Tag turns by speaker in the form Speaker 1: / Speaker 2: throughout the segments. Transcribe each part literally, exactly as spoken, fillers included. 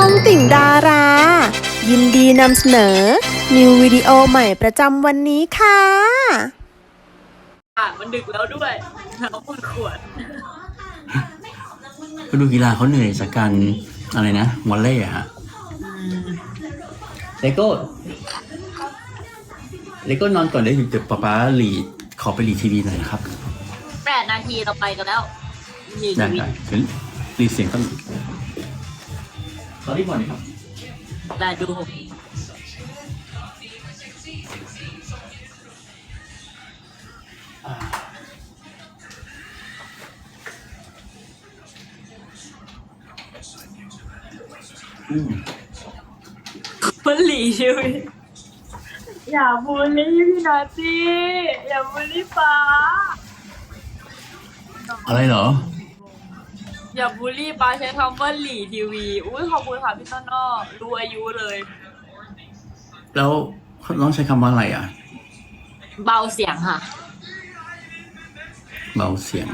Speaker 1: องติ่งดารา ยินดีนำเสนอ นิววิดีโอใหม่ประจำวันนี้ค่ะ
Speaker 2: อ่ะมันดึกแล้วด้วยน้ำปวดขวด
Speaker 3: ก็ดูกีฬาเขาเหนื่อยจากการอะไรนะวอลเลย์อะฮะเลโก้เลโก้นอนก่อนได้อยู่แต่ป๊าป๊าหลีขอไปหลีทีวีหน่อยนะครับ
Speaker 2: แปดนาทีเราไปกันแล้วนี่
Speaker 3: ได้
Speaker 2: ทีวี
Speaker 3: ได้เดี๋ยวหลีเสียงต้องตอนนี้ก่อนนะครับ
Speaker 2: ได้ดู
Speaker 3: อืม
Speaker 2: มันหลีชีวิตอย่าบูลลี่พี่นาตี้อย่าบูลลี่ป้า
Speaker 3: อะไรเหรอ
Speaker 2: อย่าบูลลี่ป้าใช้คำว่าหลีทีวีอุ้ยขอบคุณค่ะพี่ต้นนอกรู้อายุเลย
Speaker 3: แล้วต้องใช้คำว่าอะไรอ่ะ
Speaker 2: เบาเสียงค่ะ
Speaker 3: เบาเสียง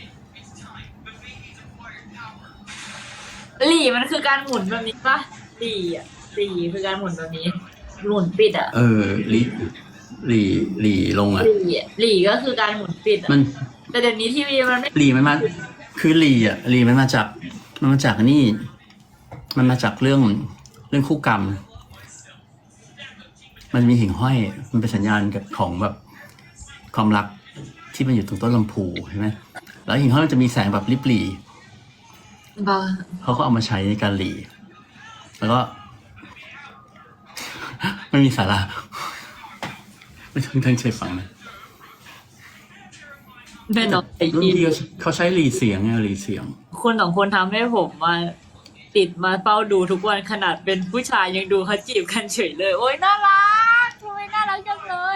Speaker 2: หลีมันคือการหมุนแบบนี้ปะหลีอ่ะหลีคือการหมุนแบบนี้หมุนปิดอ่ะ
Speaker 3: เออหลีหลีหลีลงอ่ะ
Speaker 2: หลีอ่ะหลีก็คือการหมุนปิดอ่ะ
Speaker 3: มัน
Speaker 2: แต่เดี๋ยวนี้ทีวีมันไม่
Speaker 3: หลีมันมาคือหลีอ่ะหลีมันมาจากมันมาจากนี่ มันมาจากเรื่องเรื่องคู่กรรม มันมีหิ่งห้อย มันเป็นสัญญาณกับของแบบความรักที่มันอยู่ตรงต้นลำพูใช่ไหมแล้วหิ่งห้อยมันจะมีแสงแบบริบหรี่
Speaker 2: เบา
Speaker 3: เขาก็เอามาใช้ในการหลีแล้วก็ ไม่มีสาระไม่ต้องตั้งใจฟังนะ
Speaker 2: แน่นอน
Speaker 3: รุ่นพี่เขาใช้หลีเสียงไงหลีเสียง
Speaker 2: คนสองคนทำให้ผมมาติดมาเฝ้าดูทุกวันขนาดเป็นผู้ชายยังดูเขาจีบกันเฉยเลย โอ๊ยน่ารักทำไมน่ารักจังเลย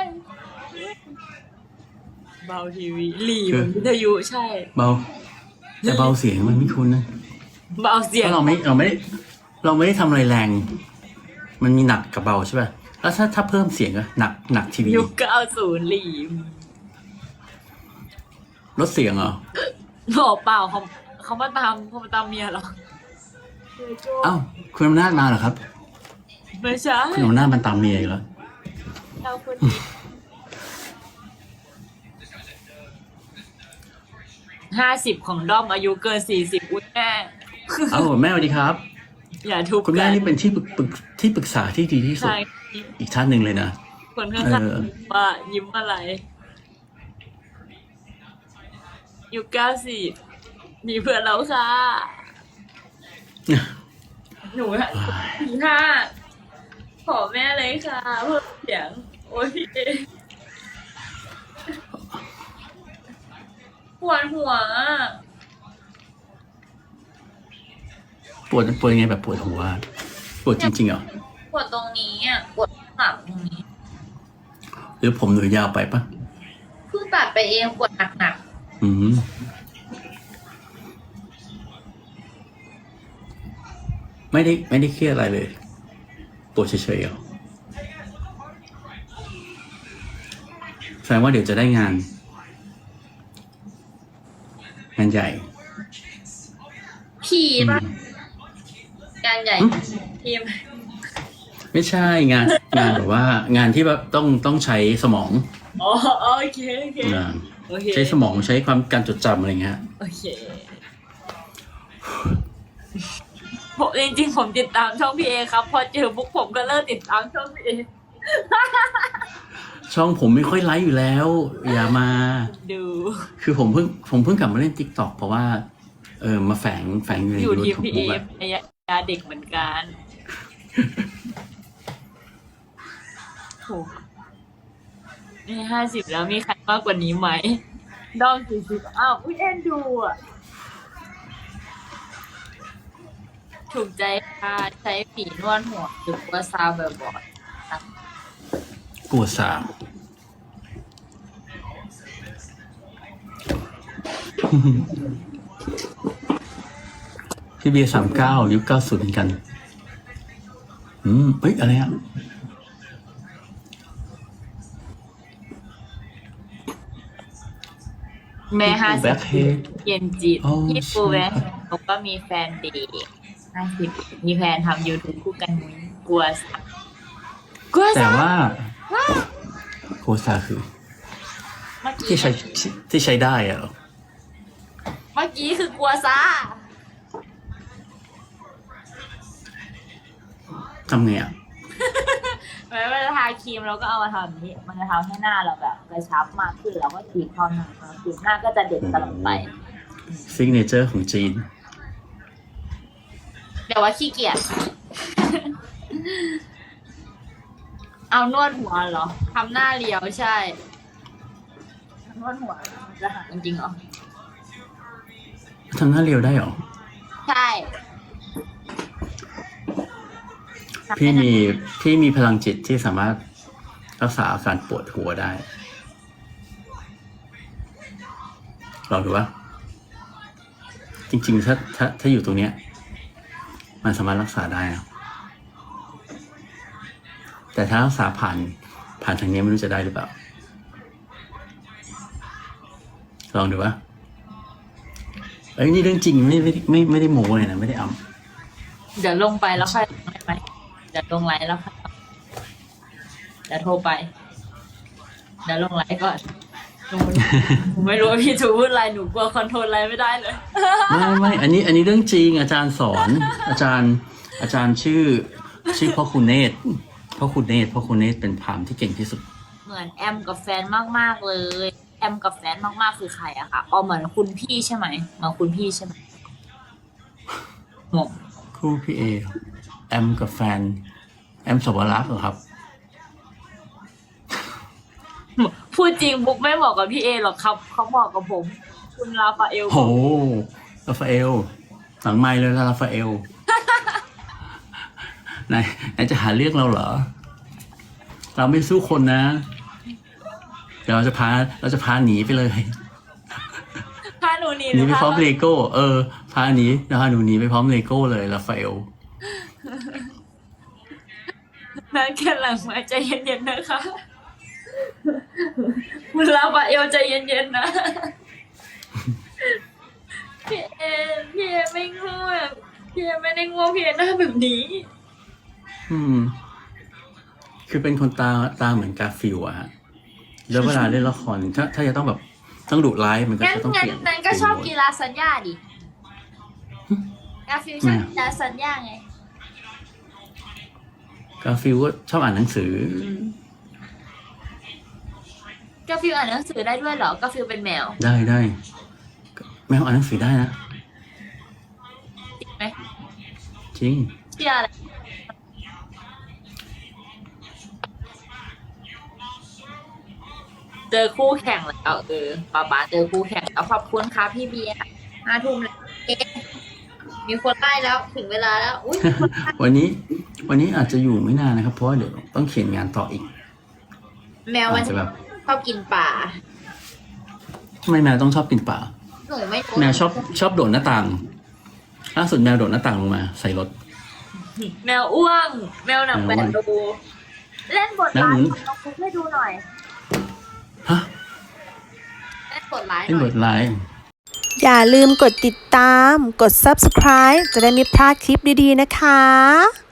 Speaker 2: เบาทีวีหลีเหมือนวิทยุใช่
Speaker 3: เบาแต่เบาเสียงมันไม่คุ้นนะ
Speaker 2: เบาเสียง
Speaker 3: เพราะเราไม่เราไม่ได้เราไม่ได้ทำอะไรแรง มันมีหนักกับเบาใช่ป่ะแล้วถ้าถ้าเพิ่มเสียงอะหนักหนักทีวี
Speaker 2: ยุคเก้าศูนย์หลี
Speaker 3: ลดเสียงเหรอ
Speaker 2: บอกเปล่าเขาเขามาตามเขามาตามเมียเหรอ
Speaker 3: อ้าวคุณอำนาจมาเหรอครับ
Speaker 2: ไม่ใช่
Speaker 3: คุณอำนาจมันตามเมียอยู่แล้ว
Speaker 2: เราคนนี้ห้าสิบของด้อมอายุเกินสี่สิบอุ้ยแม่
Speaker 3: เอ้าแม่สวัสดีครับ
Speaker 2: อย่าทุบ
Speaker 3: คุณแม่
Speaker 2: กัน
Speaker 3: นี่เป็นที่ปรึกปรึกที่ปรึกษาที่ดีที่สุด
Speaker 2: ใช่
Speaker 3: อีกท่านหนึ่งเลยนะ
Speaker 2: คนข้าง
Speaker 3: เออ
Speaker 2: ๆว่ายิ้มอะไรยุคเก้าสิบมีเพื่อนแล้วค่ะ หนูอะสี่ห้าขอแม่เลยค่ะเพิ่มเสียง โอ้ยพี่เอปวดหัวอะ
Speaker 3: ปวดปวดยังไงแบบปวดหัวปวดจริงๆเหรอ
Speaker 2: ปวดตรงนี้อ่ะปวดหลังตรงนี้
Speaker 3: หรือผมหนูยาวไปปะ
Speaker 2: เพิ่งตัดไปเองปวดหนัก
Speaker 3: อืมไม่ได้ไม่ได้เครียดอะไรเลยปวดเฉยๆเหรอแสดงว่าเดี๋ยวจะได้งาน งานใหญ่
Speaker 2: ๆพี่ป่ะงานใหญ่
Speaker 3: อืม
Speaker 2: ทีม
Speaker 3: ไม่ใช่งานงานแบบว่างานที่แบบต้องต้องใช้สมอง
Speaker 2: อ๋อโอเคโอเค
Speaker 3: อ่า
Speaker 2: โอเค
Speaker 3: ใช้สมองใช้ความการจดจำอะไรเงี้ย
Speaker 2: โอเคผมจริงๆผมติดตามช่องพี่เอครับ พอเจอบุ๊กผมก็เลิกติดตามช่องพี่เอ
Speaker 3: ช่องผมไม่ค่อยไลฟ์อยู่แล้ว อย่ามา
Speaker 2: ดู
Speaker 3: คือผมเพิ่งผมเพิ่งกลับมาเล่น ติ๊กต็อก เพราะว่า เออมาแฝงแฝงอยู่ใน
Speaker 2: อยู่
Speaker 3: ยู
Speaker 2: ทีม
Speaker 3: ทูบ
Speaker 2: พี่เอ
Speaker 3: อะ
Speaker 2: ระยะเด็กเหมือนกันโหนี่ห้าสิบแล้วมีใครมากกว่านี้ไหมดอมสี่สิบอ้าวอุ้ยเอ็นดูอ่ะ ถูกใจค่ะใช้ฝีนวดหัวหรือว่าซาวแบบบอด
Speaker 3: ปวดสามพี่เบียร์สามเก้ายุคเก้าศูนย์เหมือนกัน อืมเฮ้ย อะไรอ่ะ
Speaker 2: แม่ห้าสิบ
Speaker 3: Blackhead
Speaker 2: เย็นจิต
Speaker 3: อ๋อ
Speaker 2: พี่ปู
Speaker 3: ใช่
Speaker 2: แวะ
Speaker 3: ครับ
Speaker 2: เขาก็มีแฟนเด็กห้าสิบมีแพลนทำ YouTube คู่กันมุ้ยกลัวสักกลัว
Speaker 3: แต่
Speaker 2: สัก
Speaker 3: ว่าโคซาคือ
Speaker 2: เมื่อกี้
Speaker 3: ที่ใช้ที่ที่ใช้ได้อะเหรอ
Speaker 2: เมื่อกี้คือกลัวซะ
Speaker 3: ทำไงอ่ะ
Speaker 2: เวลาทาครีมเราก็เอามาทำแบบนี้ มันจะทำให้หน้าเราแบบกระชับมากขึ้นแล้วก็ขีดเข้าหน้ามากขึ้นหน้าก็จะเด็กตลอดไป
Speaker 3: ซิกเนเจอร์ของจีน
Speaker 2: เดี๋ยวว่าขี้เกียจ เอานวดหัวเหรอทำหน้าเรียวใช่นวดหัวมันจะหายจริงๆเหรอ
Speaker 3: ทำหน้าเรียวได้เหรอ
Speaker 2: ใช่
Speaker 3: พี่มีพี่มีพลังจิตที่สามารถรักษาอาการปวดหัวได้ลองดูว่า จริงๆถ้าถ้าถ้าอยู่ตรงเนี้ย มันสามารถรักษาได้นะแต่ถ้ารักษาผ่านผ่านทางนี้ไม่รู้จะได้หรือเปล่า ลองดูว่าเอ้ยนี่เรื่องจริงไม่ไม่ไม่ไม่ได้โม้เลยนะไม่ได้อำ
Speaker 2: เดี๋ยวลงไปแล้วค่อยได้ไหมเดี๋ยวลงไลน์แล้วค่อยเดี๋ยวโทรไป เดี๋ยวลงไลน์ก่อนหนูหนูไม่รู้ว่าพี่จะพูดอะไรหนูกลัวคอนโทรลอะไรไม่ได้เลย
Speaker 3: ไม่ไม่อันนี้อันนี้เรื่องจริงอาจารย์สอน อาจารย์อาจารย์ชื่อ ชื่อพ่อคุณเนตรพ่อคุณเนตรพ่อคุณเนตรเป็นพราหมณ์ที่เก่งที่สุด
Speaker 2: เหมือนแอมกับแฟนมากๆเลย แอมกับแฟนมากๆคือใครอะคะอ๋อเหมือนคุณพี่ใช่ไหมเหมือนคุณพี่ใช่ไหมงง
Speaker 3: คู่พี่เอแอมกับแฟน แอมสวรักษ์เหรอครับ
Speaker 2: พูดจริงบุ๊กไม่เหมาะกับพี่เอหรอกครับเขาเหมาะกับผม คุณราฟาเอล
Speaker 3: โหราฟาเอลหลังไมค์เลยนะราฟาเอล นายนายจะหาเรื่องเราเหรอ เราไม่สู้คนนะ เดี๋ยวเราจะพาเราจะพาหนีไปเลย
Speaker 2: พาหนูหนี
Speaker 3: หนีไปพร้อม
Speaker 2: เล
Speaker 3: เลโก้ เออ พาหนีแล้วพาหนูหนีไปพร้อมเลโก้เลยราฟาเอล
Speaker 2: นั่นแค่หลังมาใจเย็นๆนะคะ คุณราฟาเอลใจเย็นๆนะ พี่เอพี่เอไม่ง่วงพี่เอไม่ได้ง่วงพี่เอหน้าแบบนี้
Speaker 3: อืม คือเป็นคนตาตาเหมือนกาฟิลอะฮะ แล้วเวลาเล่นละครถ้าถ้าจะต้องแบบต้องดุร้ายมันก็
Speaker 2: งั้น
Speaker 3: จะต้อง
Speaker 2: งั้
Speaker 3: เป
Speaker 2: น
Speaker 3: ลี่ยน
Speaker 2: นั้นก็ชอบกีฬาสัญญาดิกาฟิลชอบกีฬาสัญญาไง
Speaker 3: กาฟิลก็ชอบอ่านหนังสือ
Speaker 2: กาฟิลอ่านหนังสือได้ด้วยเหรอกาฟิลเป็นแมว
Speaker 3: ได้ได้แมวอ่านหนังสือได้นะ
Speaker 2: จริงไหม
Speaker 3: จริง
Speaker 2: เชื่ออะไรเจอคู่แข่งแล้วเออป๊าป๊าเจอคู่แข่งแล้วขอบคุณครับพี่เบียร์ห้าทุ่มแล้วเอ๊ะมีคนไล่แล้วถึงเวลาแล้วอุ้ยมีคนไล่
Speaker 3: วันนี้ วันนี้อาจจะอยู่ไม่นานนะครับ เพราะว่าเดี๋ยวต้องเขียนงานต่ออีก
Speaker 2: แมวมัน
Speaker 3: อาจจะแบบ
Speaker 2: ชอบกินป่า
Speaker 3: ทำไมแมวต้องชอบกินป่า
Speaker 2: หนูไม่รู้
Speaker 3: แมวชอบชอบโดดหน้าต่างล่าสุดแมวโดดหน้าต่างลงมา ใส่รถ
Speaker 2: แมวอ้วง แมวหนังแบนดู เล่นบทร้าย
Speaker 3: แล้วหนู
Speaker 2: ลองคุกให้ดูหน่อย
Speaker 3: ฮะ
Speaker 2: เล่นบทร้ายห
Speaker 3: เป็น
Speaker 2: น่
Speaker 3: บ
Speaker 2: อย
Speaker 3: ทร้าย
Speaker 1: อย่าลืมกดติดตาม กด ซับสไครบ์ จะได้ไม่พลาดคลิปดีๆนะคะ